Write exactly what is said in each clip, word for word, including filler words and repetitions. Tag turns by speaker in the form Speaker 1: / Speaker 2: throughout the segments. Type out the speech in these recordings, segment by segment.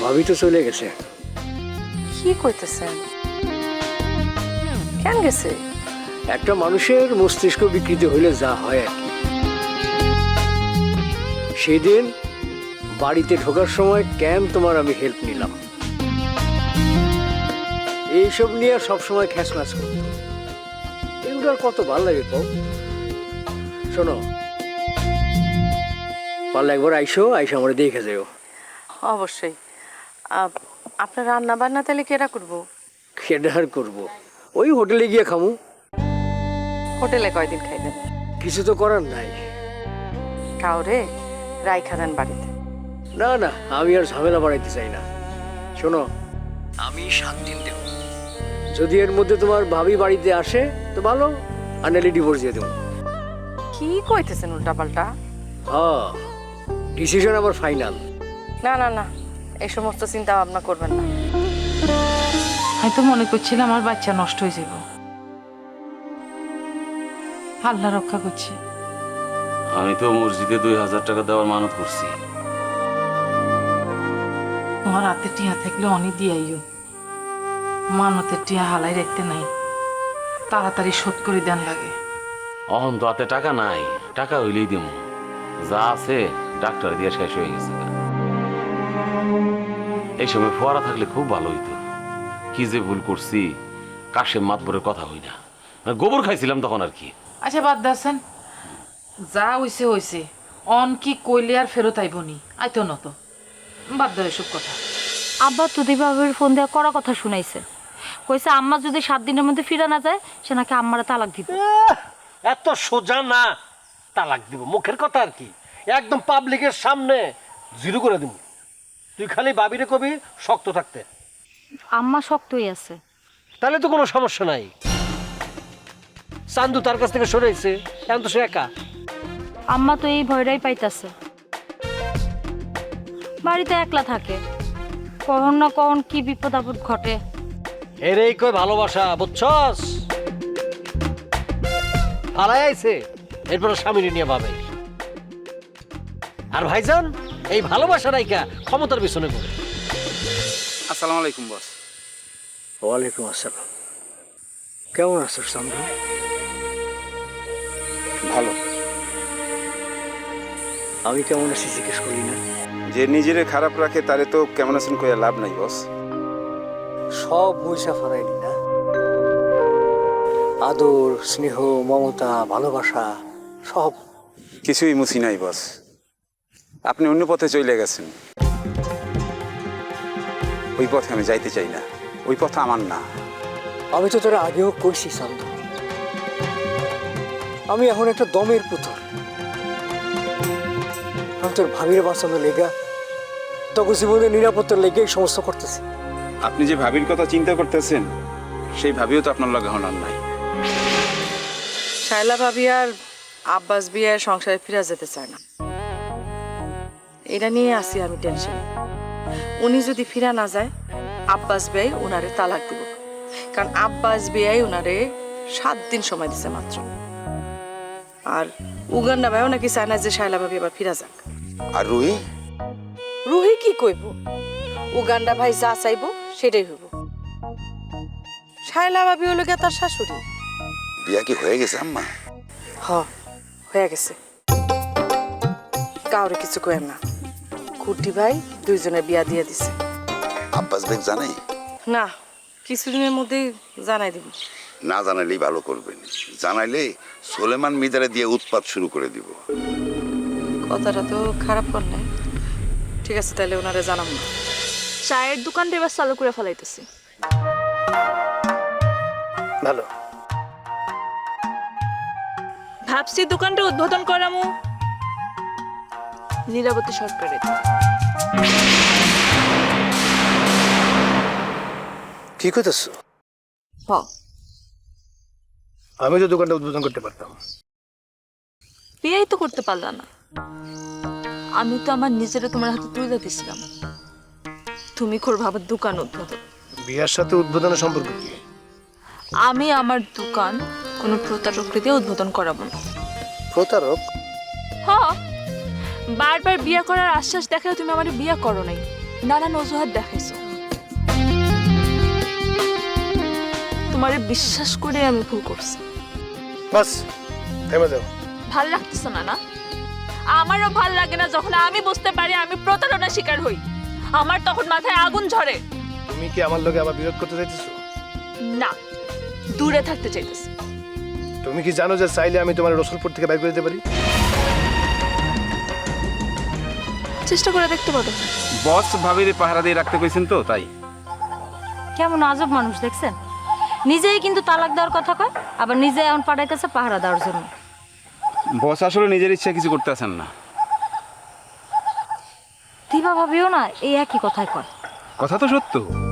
Speaker 1: ভাবি তো চলে গেছে।
Speaker 2: কি কইতেছেন? কেন গেছে?
Speaker 1: একটা মানুষের মস্তিষ্ক বিকৃতি হইলে যা হয় আর কি। সেদিন বাড়িতে ঢোকার সময় কেন তোমার আমি হেল্প নিলাম, এইসব নিয়ে সবসময় খ্যাচম্যাচ করতো। এগুলো আর কত ভালো লাগে কও। শোনো, পারলে একবার আইসো, আইসো আমার দেখে যাও।
Speaker 2: অবশ্যই। আপ- আপনার রান্না বান্না তাহলে কেরা করবো?
Speaker 1: খেডার করবো, ওই হোটেলে গিয়ে খামু।
Speaker 2: হোটেলে কয়দিন খাইবেন?
Speaker 1: কিছু তো করার নাই।
Speaker 2: কাউরে রাইখা দেন বাড়িতে?
Speaker 1: না না, আমি আর ঝামেলা বাড়াইতে চাই না। শোনো, আমি সাত দিন দেব, যদি এর মধ্যে তোমার ভাবি বাড়িতে আসে তো ভালো, আর নাহলে ডিভোর্স দিয়ে দেবো।
Speaker 2: কি কইতেছেন উল্টাপাল্টা?
Speaker 1: হ্যাঁ, ডিসিশন আবার ফাইনাল।
Speaker 2: না না না, এই সমস্ত চিন্তা ভাবনা করবেন না।
Speaker 3: আমি তো মনে করছিলাম আমার বাচ্চা নষ্ট হয়ে যাব। আল্লাহ রক্ষা করছে।
Speaker 4: আমি তো মসজিদে দুই হাজার টাকা দেওয়ার মানত করছি।
Speaker 3: তোমার হাতে টিয়া থাকলে অনেক দিয়াইও, মানতের টিয়া হালাই রাখতে নাই, তাড়াতাড়ি শোধ করে দেন লাগে।
Speaker 4: অহন তো হাতে টাকা নাই, টাকা হইলেই দেবো। যা আছে ডাক্তার দিয়ে শেষ হয়ে গেছে। এই সময় ফোয়ারা থাকলে খুব ভালো হইতো। কি যে ভুল করছি, কাশেম মাতবরের কথা হই না, গোবর খাইছিলাম তখন আর কি।
Speaker 3: আচ্ছা বাদ দাসেন, যা হইছে হইছে। অন কি কইলে আর ফেরত আইবনি, আইতো না তো। বাদ দাও এসব কথা।
Speaker 5: আব্বা তুদির বাবার ফোন দেওয়া করা কথা শুনাইছে, কইছে আম্মা যদি সাত দিনের মধ্যে ফিরে না যায় সে নাকি আম্মারা তালাক দিব।
Speaker 6: এত সোজা না, তালাক দিব মুখের কথা আর কি, একদম পাবলিকের সামনে জিরো করে দিব। তুই খালি বাবিরে কবি শক্ত থাকতে,
Speaker 5: আম্মা শক্তই আছে।
Speaker 6: তাহলে তো কোনো সমস্যা নাই। চান্দু তার কাছ থেকে সরেছে, এখন তো সে একা।
Speaker 5: আম্মা তো এই ভয়টাই পাইতাছে, বাড়িতে একলা থাকে, কখন না কখন কি বিপদ আপদ ঘটে।
Speaker 6: এর এই কই ভালোবাসা, বুঝছস? ফালাই আইছে, এরপর স্বামী নিয়ে ভাবে। আর ভাইজান এই ভালোবাসা রাইকা ক্ষমতার পিছনে ঘুরে।
Speaker 7: আসসালামু আলাইকুম বস।
Speaker 1: ওয়ালাইকুম আসসালাম। কেমন আছো সামনে?
Speaker 7: ভালো।
Speaker 1: আমি কেমন আছি জিজ্ঞেস করি না?
Speaker 7: যে নিজেরে খারাপ রাখে তারে তো কেমন আছেন কইয়া লাভ নাই বস।
Speaker 1: সব পয়সা ফারাইলি না, আদর স্নেহ মমতা ভালোবাসা সব
Speaker 7: কিছুই মুছি নাই বস। আপনি অন্য পথে চলে গেছেন, ওই পথে আমি যাইতে চাই না, ওই পথ আমার না।
Speaker 1: আমি তো তোরা আগেও কইছি সান্ধু, আমি এখন একটা দমের পুতুল। আমি তোর ভাবির বাঁচানোর লেগা, তখন জীবনের নিরাপত্তার লেগে এই সমস্ত করতেছি।
Speaker 7: আপনি যে ভাবির কথা চিন্তা করতেছেন, সেই ভাবিও তো আপনার লগে হনার নাই।
Speaker 2: শায়লা ভাবি আর আব্বাস বিয়ের সংসারে ফিরে যেতে চায় না, এটা নিয়ে আসি আমি টেনশন। উনি যদি ফিরা না যায়, আব্বাস বিয়াই উনারে তালাক দিব, কারণ আব্বাস বিয়াই উনারে সাত দিন সময় দিছে মাত্র। আর উগান্ডা ভাইও নাকি চায় না যে শায়লা ভাবি আবার ফিরা যাক।
Speaker 7: আর রুহি?
Speaker 2: রুহি কি কইব? উগান্ডা ভাই যা চাইব সেটাই হইব। শায়লা ভাবি হলো গিয়া তার শাশুড়ি।
Speaker 7: বিয়া কি হয়ে গেছে আম্মা?
Speaker 2: হ, হয়ে গেছে। কাউরে কিছু কয়েন না, খুঁটি ভাই দুইজনে বিয়া দিয়ে দিছে।
Speaker 8: আব্বাস বেগ জানে?
Speaker 2: না, কিছুদিনের মধ্যেই জানাই দিব।
Speaker 8: না জানাইলেই ভালো করবেন, জানাইলে সোলেমান মিদারে দিয়ে উৎপাত শুরু করে দিব।
Speaker 2: কথাটা তো খারাপ কর নাই। ঠিক আছে, তাহলে ওনারে জানাম না।
Speaker 5: চায়ের দোকানটা এবার চালু করে ফেলাইতেছি।
Speaker 1: ভালো,
Speaker 5: ভাবছি দোকানটা উদ্বোধন করামু নীলাবতী সরকারের।
Speaker 1: কি করতেছ?
Speaker 2: হ,
Speaker 1: আমি তো দোকানটা উদ্বোধন করতে পারতাম।
Speaker 5: বিয়েই তো করতে পারলা না। আমি তো আমার নিজেরা তোমার হাতে তুলে দিয়েছিলাম, তুমি করবে আবার দোকান উদ্বোধন।
Speaker 1: বিয়ার সাথে উদ্বোধনের সম্পর্ক কি?
Speaker 5: আমি আমার দোকান কোনো প্রতারক দিয়ে উদ্বোধন করাবো না।
Speaker 1: প্রতারক?
Speaker 5: হ, বারবার বিয়ে করার আশ্বাস দেখালে তুমি আমার বিয়ে করো নাই, নানান অজুহাত দেখাইছো। তোমারে বিশ্বাস করে আমি ভুল করছি।
Speaker 9: বাস থেমে যাও।
Speaker 5: ভাল লাগতেছে না না? আমারও ভাল লাগে না যখন আমি বুঝতে পারি আমি প্রতারণার শিকার হই। আমার তখন মাথায় আগুন ঝরে।
Speaker 9: তুমি কি আমার লগে আবার বিরোধ করতে চাইতেছো?
Speaker 5: না, দূরে থাকতে চাইতেছি।
Speaker 9: তুমি কি জানো যে চাইলে আমি তোমার রসুলপুর থেকে বাইর করে দিতে পারি?
Speaker 5: চেষ্টা করে দেখতে পারো।
Speaker 7: বস ভাবিরে পাহারা দিয়ে রাখতে কইছেন তো তাই।
Speaker 10: কেমন আজব মানুষ দেখছেন, নিজেই কিন্তু তালাক দেওয়ার কথা কয়, আবার নিজে এখন পাঠাইতেছে পাহারা দেওয়ার জন্য।
Speaker 7: বস আসলে নিজের ইচ্ছা কিছু করতে আসেন না।
Speaker 10: দিবা ভাবিও না এই একই কথাই কয়।
Speaker 7: কথা তো সত্য।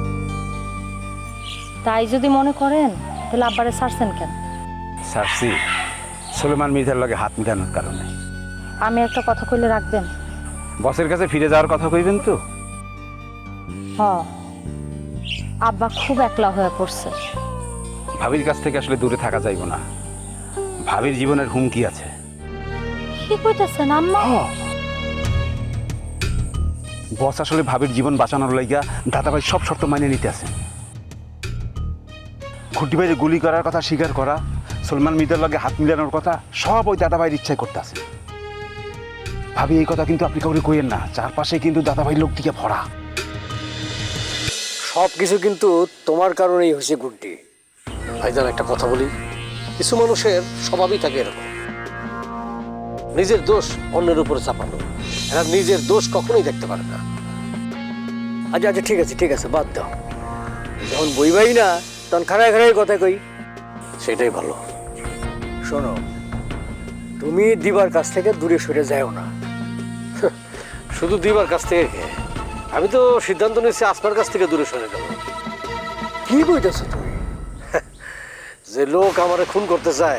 Speaker 10: তাই যদি মনে করেন তাহলে আব্বারে ছাড়ছেন কেন?
Speaker 7: সারসি সুলেমান মির্জার লগে হাত মিলানোর কারণে।
Speaker 10: আমি একটা কথা কইলে রাখবেন?
Speaker 7: বসের কাছে ফিরে যাওয়ার কথা কইবেন তো?
Speaker 10: হ, আব্বা খুব একলা হয়ে পড়ছে।
Speaker 7: ভাবির কাছ থেকে আসলে দূরে থাকা যাইব না। ভাবির জীবনের হুমকি আছে।
Speaker 10: কি কইতেছেন আম্মা?
Speaker 7: বস আসলে ভাবির জীবন বাঁচানোর লাইগা দাদাভাই সব শর্ত মানিয়ে নিতে আছেন। ঘুটি বাইরে গুলি করার কথা স্বীকার করা, সলমান মির্জার লগে হাত মিলানোর কথা সব ওই দাদাভাইয়ের ইচ্ছায় করতে আছে। ভাবি এই কথা কিন্তু আপনি কাউকে কইেন না, চারপাশে কিন্তু দাদাভাই লোক দিকে ভরা।
Speaker 1: সব কিছু কিন্তু তোমার কারণেই হয়েছে গুড্ডি। ভাইজান একটা কথা বলি, কিছু মানুষের স্বভাবই থাকে এরকম, নিজের দোষ অন্যের উপরে চাপানো। এরা নিজের দোষ কখনোই দেখতে পারে না। আচ্ছা আচ্ছা ঠিক আছে ঠিক আছে বাদ দাও, যখন বইবাই না তখন খাড়ায় খাড়াই কথা কই, সেটাই ভালো। শোনো, তুমি দিবার কাছ থেকে দূরে সরে যাও না। শুধু দিবার কাছ থেকে কে? আমি তো সিদ্ধান্ত নিয়েছি আসমার কাছ থেকে দূরে সরে যাবো। কি কইতেছো তুমি? যে লোক আমারে খুন করতে চায়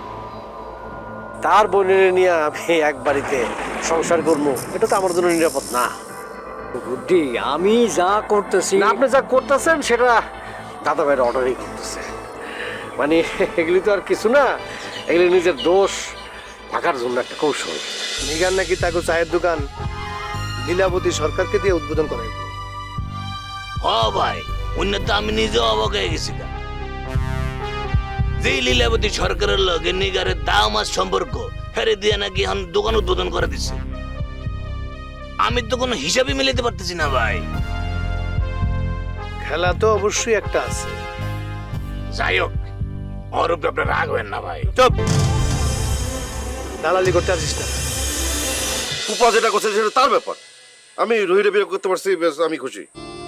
Speaker 1: তার বোনের নিয়ে আমি এক বাড়িতে সংসার করবো, এটা তো আমার জন্য নিরাপদ না। বুদ্ধি আমি যা করতেছি, আপনি যা করতেছেন সেটা দাদা ভাইয়ের অর্ডারই করতেছে। মানে এগুলি তো আর কিছু না, এগুলি নিজের দোষ ঢাকার জন্য একটা কৌশল।
Speaker 9: নিগান নাকি তাকে চায়ের দোকান লীলাবতী সরকারকে দিয়ে উদ্বোধন করাইব।
Speaker 11: হ ভাই, উন্নত আমি নিজেও অবাক হয়ে গেছিলাম যে লীলাবতী সরকারের লগে নিগারের দাম আর সম্পর্ক হেরে দিয়ে নাকি এখন দোকান উদ্বোধন করে দিচ্ছে। আমি তো কোনো হিসাবই মিলাতে পারতেছি না ভাই।
Speaker 9: খেলা তো অবশ্যই একটা আছে।
Speaker 11: যাই হোক, ওর উপরে আপনার রাগ হবেন না ভাই।
Speaker 9: চুপ, দালালি করতে আসিস না।
Speaker 12: ফুপা যেটা করছে সেটা তার ব্যাপার। আমি রুহিরে বিয়ে করতে পারছি, বেশ আমি খুশি।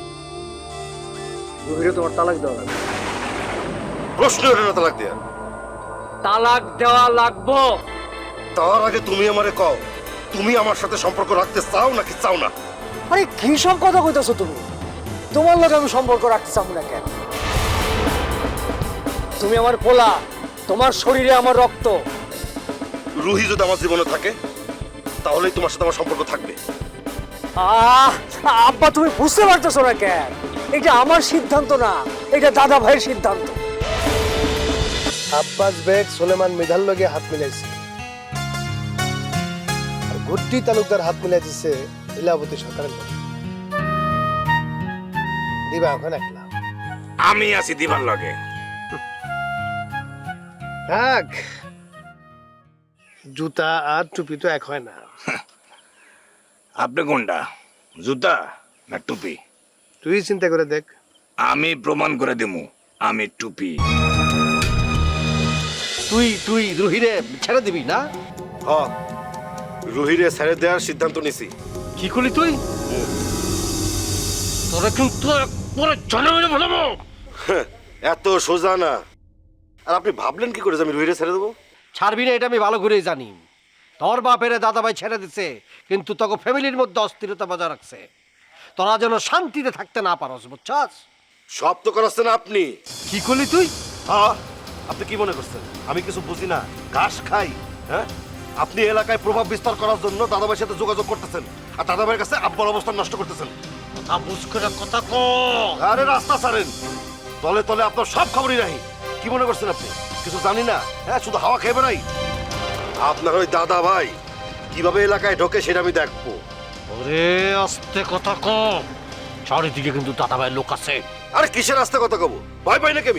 Speaker 1: রুহিরে তোমার তালাক দেওয়া লাগবে।
Speaker 12: প্রশ্ন ওঠে না তালাক দেয়া।
Speaker 1: তালাক দেওয়া লাগবো।
Speaker 12: তার আগে তুমি আমারে কও, তুমি আমার সাথে সম্পর্ক রাখতে চাও নাকি চাও না?
Speaker 1: আরে কি সব কথা কইতেছো তুমি? তোমার লগে আমি সম্পর্ক রাখতে চাবো না কেন? তুমি আমার পোলা, তোমার শরীরে আমার রক্ত।
Speaker 12: রুহি যদি আমার জীবনে থাকে তাহলেই তোমার সাথে আমার সম্পর্ক থাকবে।
Speaker 1: আহ আব্বা, তুমি বুঝতে পারতেছো না কেন? এটা আমার সিদ্ধান্ত না, এটা দাদা ভাইয়ের সিদ্ধান্ত।
Speaker 9: আব্বাস বেগ সুলেমান মৃধার লগে হাত মিলাইছে, আর গুড্ডি তালুকদার হাত মিলাই দিচ্ছে লীলাবতী সরকারের লগে। দিবা এখন একলা।
Speaker 11: আমি আছি দিবার লগে।
Speaker 9: থাক, জুতা আর টুপি তো এক হয় না।
Speaker 11: আপনি কোনটা, জুতা না টুপি?
Speaker 9: তুই চিন্তা করে দেখ।
Speaker 11: আমি প্রমাণ করে দেবো আমি টুপি।
Speaker 6: তুই তুই রুহিরে ছেড়ে দিবি না?
Speaker 12: হ, রুহিরে ছেড়ে দেওয়ার সিদ্ধান্ত নিছি।
Speaker 6: কি করলি তুই? তোরা কিন্তু পরে চলে গেলে বলবো।
Speaker 12: এত সোজা না। আর আপনি ভাবলেন কি করে যে আমি রুহিরে ছেড়ে দেবো?
Speaker 6: ছাড়বি না এটা আমি ভালো করেই জানি। তোর বাপেরে দাদা ভাই ছেড়ে দিচ্ছে, কিন্তু তোকে ফ্যামিলির মধ্যে অস্থিরতা বজায় রাখছে, তোরা যেন শান্তিতে থাকতে না পারস, বুঝছস?
Speaker 12: সব তো করাচ্ছেন আপনি।
Speaker 6: কি করলি তুই?
Speaker 12: হ্যাঁ, আপনি কি মনে করছেন আমি কিছু বুঝি না, ঘাস খাই? হ্যাঁ, আপনি এলাকায় প্রভাব বিস্তার করার জন্য দাদাভাইয়ের সাথে যোগাযোগ করতেছেন, আর দাদাভাইয়ের কাছে আব্বার অবস্থান নষ্ট করতেছেন।
Speaker 6: কথা বুঝ করে কথা কো।
Speaker 12: আরে রাস্তা ছাড়েন, তলে তলে আপনার সব খবরই নাই। কি মনে করছেন আপনি কিছু জানি না? হ্যাঁ, শুধু হাওয়া খেয়ে বেড়াই। আপনার ওই দাদা ভাই কিভাবে এলাকায় ঢোকে সেটা আমি দেখবো।
Speaker 6: ওরে আস্তে কথা কম। চারিদিকে কিন্তু দাদা ভাইয়ের লোক আছে।
Speaker 12: আরে কিসের রাস্তা কথা কব, ভয় পাই নাকি আমি?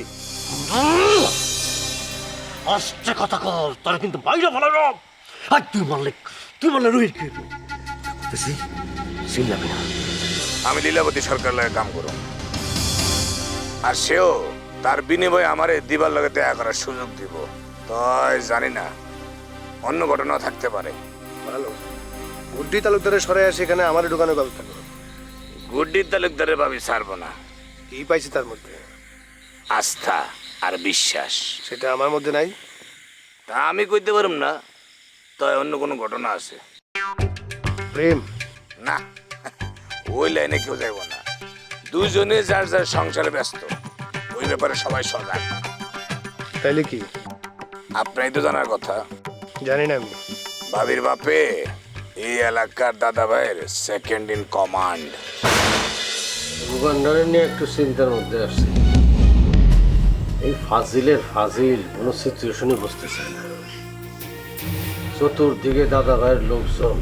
Speaker 6: আস্তে কথা কর, তোরা কিন্তু বাইরে ফেলানো। আর তুই মারলে তুই মারলে রোহিত কি চিল্লাবি না।
Speaker 8: আমি লীলাবতী সরকার লাগে কাম করো, আর সেও তার বিনিময়ে আমারে দিবার লগে দেখা করার সুযোগ দিব। তাই জানি না, অন্য ঘটনা থাকতে পারে।
Speaker 9: ভালো, গুড্ডি তালুকদারের সরে আসে এখানে আমার ঢুকানোর ব্যবস্থা করো।
Speaker 8: গুড্ডির তালুকদারের ভাবি ছাড়বো না।
Speaker 9: কি পাইছি তার মধ্যে?
Speaker 8: আস্থা আর বিশ্বাস।
Speaker 9: সেটা আমার মধ্যে নাই।
Speaker 8: তা আমি কইতে পারুম না, তাই অন্য কোনো ঘটনা আছে।
Speaker 9: প্রেম
Speaker 8: না, ওই লাইনে কেউ যাইব না। দুজনে যার যার সংসারে ব্যস্ত, ওই ব্যাপারে সবাই সজাগ।
Speaker 9: তাইলে কি?
Speaker 8: আপনারই তো জানার কথা।
Speaker 9: জানি না আমি।
Speaker 8: ভাবির বাপে এই এলাকার দাদা ভাইয়ের সেকেন্ড ইন কমান্ড।
Speaker 1: উগান্ডারে নিয়ে একটু চিন্তার মধ্যে আসছে। এই ফাজিলের ফাজিল কোনো সিচুয়েশনে বসতেছে না। চতুর্দিকে দাদা ভাইয়ের লোকজন।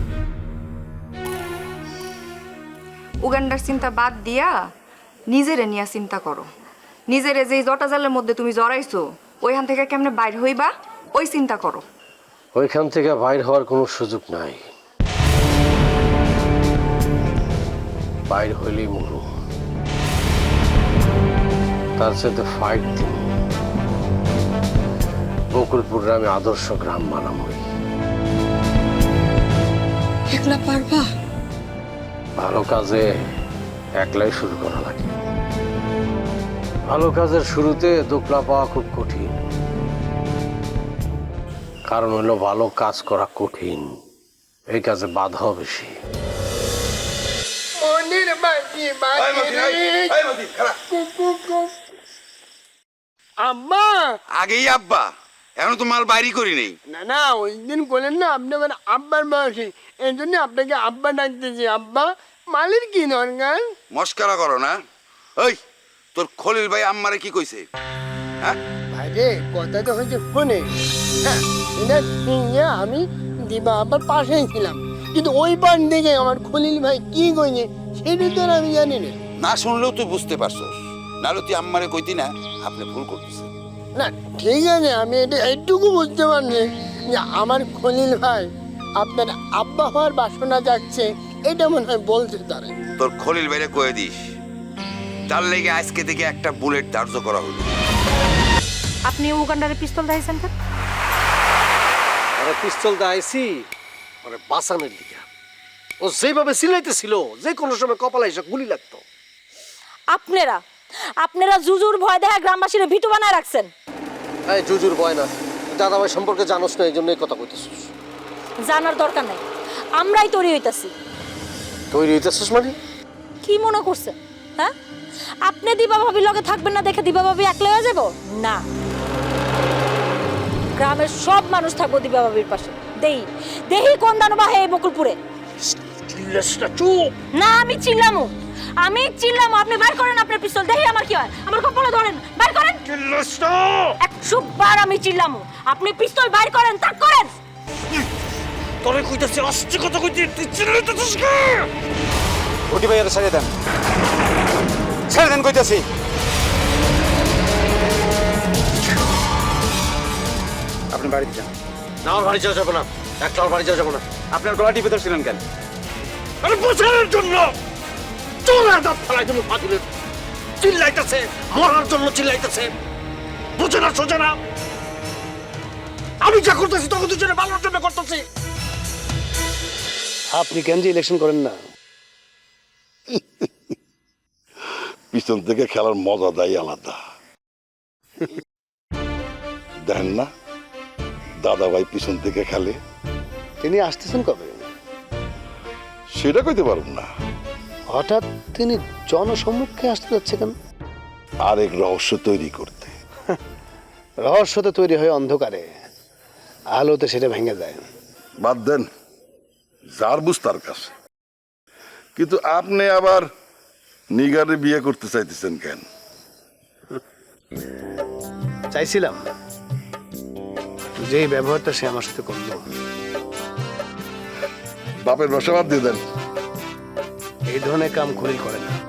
Speaker 2: উগান্ডার চিন্তা বাদ দিয়া নিজেরে নিয়ে চিন্তা করো। নিজেরে যে জটা জালের মধ্যে তুমি জড়াইছো, ওইখান থেকে কেমনে বাইর হইবা ওই চিন্তা করো।
Speaker 1: ওইখান থেকে বাইর হওয়ার কোনো সুযোগ নাই। বাইর হইলেই মরু। তার সাথে ফাইট দিন। বকুলপুরে আমি আদর্শ গ্রাম বানাবই।
Speaker 2: একলা পারবা?
Speaker 1: ভালো কাজে একলাই শুরু করা লাগে। ভালো কাজের শুরুতে দোকলা পাওয়া খুব কঠিন। কারণ হলো ভালো কাজ করা কঠিন, এই কাজে বাধাও বেশি।
Speaker 13: আব্বা
Speaker 8: আগেই আব্বা, এখন তো মাল বাইরি করি নেই।
Speaker 13: না না, ওই দিন বলেন না আপনি আমার আব্বার বয়সী, এই জন্য আপনাকে আব্বা ডাকতেছি। আব্বা, মালের কি দরকার?
Speaker 8: মস্কারা করো না। ওই তোর খলিল ভাই আম্মারে কি কইছে? হ্যাঁ
Speaker 13: ভাই রে, কথা তো হয়েছে ফোনে। হ্যাঁ, এটা ঠিক যে আমি দিবা আব্বার পাশেই ছিলাম, কিন্তু ওই পান দেখে আমার খলিল ভাই কি কইছে সেটা তো আর আমি জানি না।
Speaker 8: না শুনলেও তুই বুঝতে পারছস, নাহলে তুই আম্মারে কইতি না আপনি ভুল করতেছেন।
Speaker 13: না ঠিক আছে, আমি এটা এইটুকু বুঝতে পারছি যে আমার খলিল ভাই আপনার আব্বা হওয়ার বাসনা যাচ্ছে, এটা মনে হয় বলতে তারে।
Speaker 8: তোর খলিল ভাইরে কয়ে দিস, তার লেগে আজকে থেকে একটা বুলেট ধার্য করা হলো।
Speaker 10: আপনি উগান্ডারে পিস্তল দিয়েছেন কেন?
Speaker 1: আরে পিস্তল দা আইছি মানে বাঁচানোর দিকে। ও যেভাবে সিলাইতেছিল, যে কোনো সময় কপালে এসে গুলি লাগতো।
Speaker 10: আপনারা আপনারা জুজুর ভয় দেখা গ্রামবাসীরা ভিটু বানায় রাখছেন।
Speaker 1: এই জুজুর ভয় না, দাদা ভাই সম্পর্কে জানোস না, এই জন্য এই কথা কইতেছিস।
Speaker 10: জানার দরকার নাই, আমরাই তৈরি হইতাছি।
Speaker 1: তৈরি হইতেছিস মানে?
Speaker 10: কি মনে করছেন? হ্যাঁ, আপনি দিবা ভাবির লগে থাকবেন না দেখে দিবা ভাবি একলা হয়ে যাব না। গ্রামের সব মানুষ থাকবো দিবা ভাবির পাশে। দেই দেহি কোন দানবা হে বকুলপুরে।
Speaker 1: চুপ
Speaker 10: না, আমি চিল্লামু, আমি চিল্লামু। আপনি বাইর করেন আপনার পিস্তল, দেহি আমার কি হয়। আমার কপালে ধরেন, বাইর করেন। একশো বার আমি চিল্লামু, আপনি পিস্তল বাইর করেন, তাক করেন।
Speaker 1: তোরে কইতাছি আস্তে কথা কইতে, তুই চিল্লাইতেছিস কি?
Speaker 7: ওটি ভাইয়ারে ছেড়ে দেন, ছেড়ে দেন কইতাছি। আপনি বাড়িতে যান।
Speaker 1: না, আমার বাড়ি যাওয়া যাবে না, একটা আমার বাড়ি যাওয়া যাবে না।
Speaker 7: আপনার গলা টিপে ধরছিলেন কেন?
Speaker 1: আরে বোঝানোর জন্য। চোরা দাঁত ফেলাই তুমি ফাজিলের। চিল্লাইতেছে, মরার জন্য চিল্লাইতেছে। বুঝে না, সোজা না। আমি যা করতেছি তখন দুজনে ভালোর জন্য করতেছি।
Speaker 9: আপনি কেন যে ইলেকশন করেন না?
Speaker 12: পিছন থেকে খেলার মজা দেয় আলাদা। দেখেন না দাদা ভাই পিছন থেকে খেলে।
Speaker 9: তিনি আসতেছেন কবে?
Speaker 12: সেটা কইতে পারুন না।
Speaker 9: হঠাৎ তিনি জনসম্মুখে আসতে যাচ্ছে কেন?
Speaker 12: আরেক রহস্য তৈরি করতে।
Speaker 9: রহস্য তো তৈরি হয় অন্ধকারে, আলোতে সেটা ভেঙে যায়।
Speaker 12: বাদ দেন, যার বুঝ তার কাছে। কিন্তু আপনি আবার নিগারে বিয়ে করতে চাইতেছেন কেন?
Speaker 9: চাইছিলাম, যে ব্যবহারটা সে আমার সাথে করলো।
Speaker 12: বাপের বাসা বাদ দিয়ে দেন।
Speaker 9: এই ধরনের কাম খলিল করে না।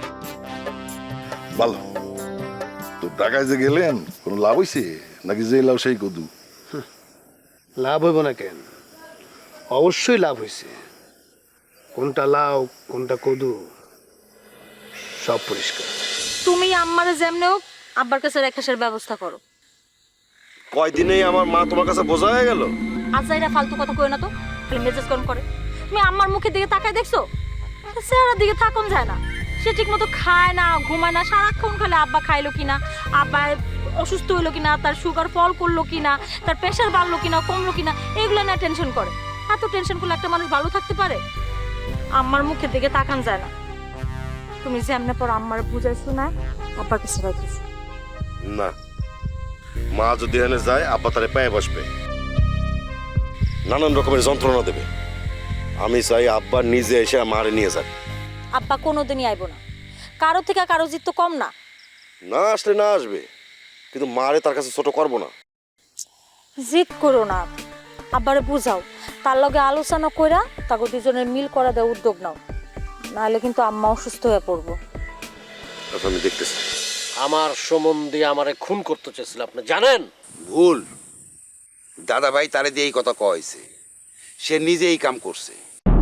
Speaker 12: ভালো তো ঢাকায় যে গেলেন কোনো লাভ হইছে নাকি যে লাভ সেই কদু?
Speaker 9: লাভ হইব না কেন? অবশ্যই লাভ হয়েছে। কোনটা লাউ কোনটা কদু সব পরিষ্কার।
Speaker 10: তুমি আম্মারে যেমনে হোক আব্বার কাছে রেখাসের ব্যবস্থা করো।
Speaker 12: কয়দিনেই আমার মা তোমার কাছে বোঝা হয়ে গেল।
Speaker 10: আজ যাইরা ফালতু কথা কই না তো, খালি মেজাজ গরম করে। তুমি আম্মার মুখের দিকে তাকায় দেখছো? চেহারার দিকে থাকুন যায় না। সে ঠিক মতো খায় না, ঘুমায় না, সারাক্ষণ খালি আব্বা খাইলো কিনা, আব্বা অসুস্থ হইলো কিনা, তার সুগার ফল করলো কিনা, তার প্রেশার বাড়লো কিনা, কমলো কিনা, এগুলো না টেনশন করে। এত টেনশন করলে একটা মানুষ ভালো থাকতে পারে? আম্মার মুখের দিকে তাকান যায় না। তুমি যেমনে পর আম্মার বুঝাইছো না, আব্বার কাছে রাখিস
Speaker 12: না, মা যদি এখানে যায় আব্বা তারে পায়ে বসবে, নানান রকমের যন্ত্রণা দেবে। আমি চাই আব্বা নিজে এসে মারে নিয়ে যাক।
Speaker 10: আব্বা কোনোদিনই আইব না। কারো থেকে কারো জিত তো কম না।
Speaker 12: না আসলে না আসবে, কিন্তু মারে তার কাছে ছোট করবো না।
Speaker 10: জিদ করো না, আব্বারে বুঝাও, তার লগে আলোচনা কইরা তাকে দুজনের মিল করা দেওয়ার উদ্যোগ নাও, নাহলে কিন্তু আম্মা অসুস্থ হয়ে পড়বো।
Speaker 12: আচ্ছা আমি দেখতেছি।
Speaker 1: আমার সম্বন্ধে আমারে খুন করতে চেয়েছিল, আপনি জানেন?
Speaker 14: ভুল। দাদা ভাই তারে দিয়ে এই কথা কয়েছে, সে নিজে এই কাম করছে।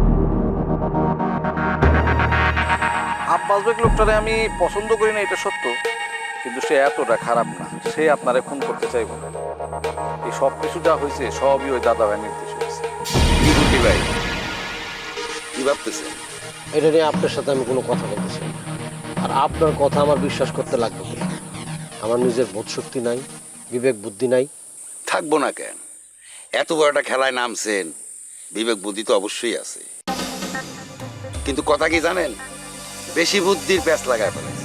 Speaker 15: আব্বাস বেগ লোকটারে আমি পছন্দ করি না, এটা সত্য, কিন্তু সে এতটা খারাপ না, সে আপনারে খুন করতে চাইব না। এই সব কিছু যা হয়েছে সবই ওই দাদা ভাই নির্দেশ হয়েছে।
Speaker 14: কি বুদ্ধি ভাই, কি ভাবতেছেন?
Speaker 1: এটা নিয়ে আপনার সাথে আমি কোনো কথা বলতেছি না। আর আপনার কথা আমার বিশ্বাস করতে লাগবে কি? আমার নিজের বোধ শক্তি নাই, বিবেক বুদ্ধি নাই।
Speaker 14: থাকবো না কেন? এত বড় একটা খেলায় নামছেন, বিবেক বুদ্ধি তো অবশ্যই আছে। কিন্তু কথা কি জানেন, বেশি বুদ্ধির প্যাঁচ লাগায় ফেলেছে।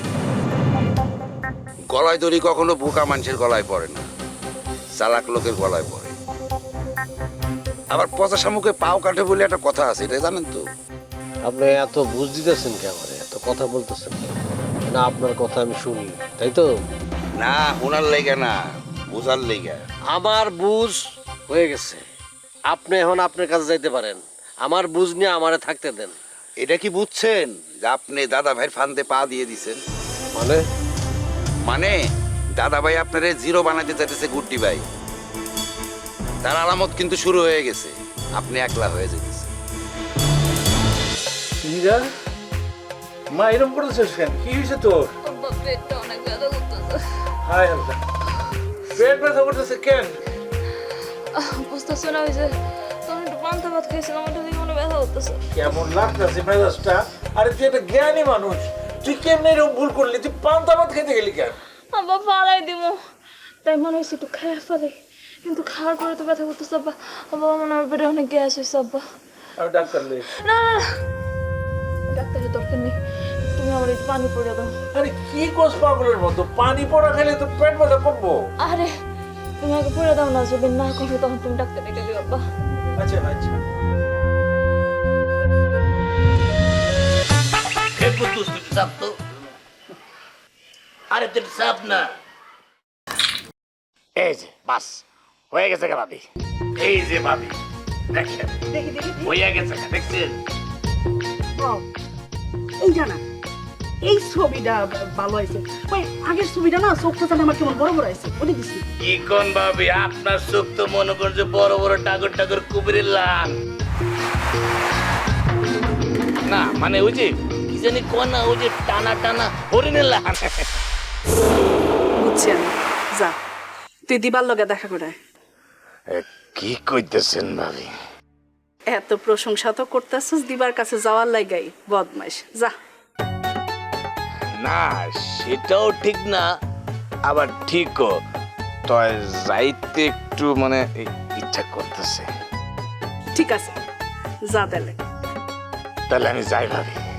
Speaker 14: গলায় দড়ি কখনো বোকা মানুষের গলায় পড়ে না, চালাক লোকের গলায় পড়ে। আবার পচা শামুকে পাও কাটে বলে একটা কথা আছে, এটা জানেন তো?
Speaker 1: আপনি এত বুঝ দিতেছেন কে আমারে, এত কথা বলতেছেন কেন? না আপনার কথা আমি শুনি, তাই তো?
Speaker 14: না, ওনার লেগে না, বোঝার লেগে।
Speaker 1: আমার বুঝ হয়ে গেছে, আপনি এখন আপনার কাছে যাইতে পারেন। আমার বুঝ নিয়ে আমারে থাকতে দেন।
Speaker 14: এটা কি বুঝছেন যে আপনি দাদা ভাইয়ের ফান্দে পা দিয়ে দিছেন?
Speaker 1: মানে
Speaker 14: মানে দাদা ভাই আপনারে জিরো বানাতে চাইতেছে গুড্ডি ভাই। তার আলামত কিন্তু শুরু হয়ে গেছে, আপনি একলা হয়ে যেতেছে।
Speaker 6: মা এরকম করতেছিস কেন? কি হয়েছে তোর?
Speaker 5: পেটটা অনেক ব্যথা করতেছে।
Speaker 6: হায় আল্লাহ, পেট ব্যথা করতেছে কেন?
Speaker 5: বুঝতেছে না, ওই যে তখন একটু পান্তা ভাত খেয়েছিলাম, ওটা দিয়ে মনে ব্যথা করতেছে।
Speaker 6: কেমন লাগতেছে মেজাজটা? আরে তুই একটা জ্ঞানী মানুষ, তুই কেমনে এরকম ভুল করলি? তুই পান্তা ভাত খেতে গেলি কেন?
Speaker 5: আব্বা পালাই দিব, তাই মনে হয়েছে একটু খেয়ে ফেলে, কিন্তু খাওয়ার পরে তো ব্যথা করতেছে। আব্বা আব্বা মনে হয় পেটে অনেক গ্যাস হয়েছে। আব্বা
Speaker 6: আমি ডাক্তার লই।
Speaker 5: না না ডাক্তারের দরকার নেই, তুমি আমার একটু পানি পড়ে দাও।
Speaker 6: আরে কি কোস পাগলের মতো, পানি পড়া খেলে তো পেট ব্যথা কমবো।
Speaker 5: আরে তুমি আগে পড়ে দাও না, যদি না কমে তখন তুমি ডাক্তার ডেকে দিও। আব্বা
Speaker 6: আচ্ছা আচ্ছা।
Speaker 11: আরে তোর চাপ না, এই যে বাস হয়ে গেছে গা ভাবি, এই যে ভাবি দেখেন হয়ে গেছে, দেখছেন?
Speaker 16: এই জানা এই ছবিটা ভালো হয়েছে, ওই আগের ছবিটা না চোখটা জানে আমার কেমন বড় বড় আছে, ওটা দিছি।
Speaker 11: কি কোন ভাবি, আপনার চোখ তো মনে করছে বড় বড় টাগর টাগর কুবিরের লান। না মানে ওই যে কি জানি কোন না, ওই যে টানা টানা হরিণের লান।
Speaker 16: বুঝছি আমি, যা তুই দিবার লগে দেখা করে।
Speaker 11: কি কইতেছেন ভাবি?
Speaker 16: এত প্রশংসা তো করতেছিস, দিবার কাছে যাওয়ার লাগাই বদমাইশ, যা।
Speaker 11: না সেটাও ঠিক না, আবার ঠিকও, তয় যাইতে একটু মানে ইচ্ছা করতেছে।
Speaker 16: ঠিক আছে যা, তাহলে
Speaker 11: তাহলে আমি যাই ভাবি।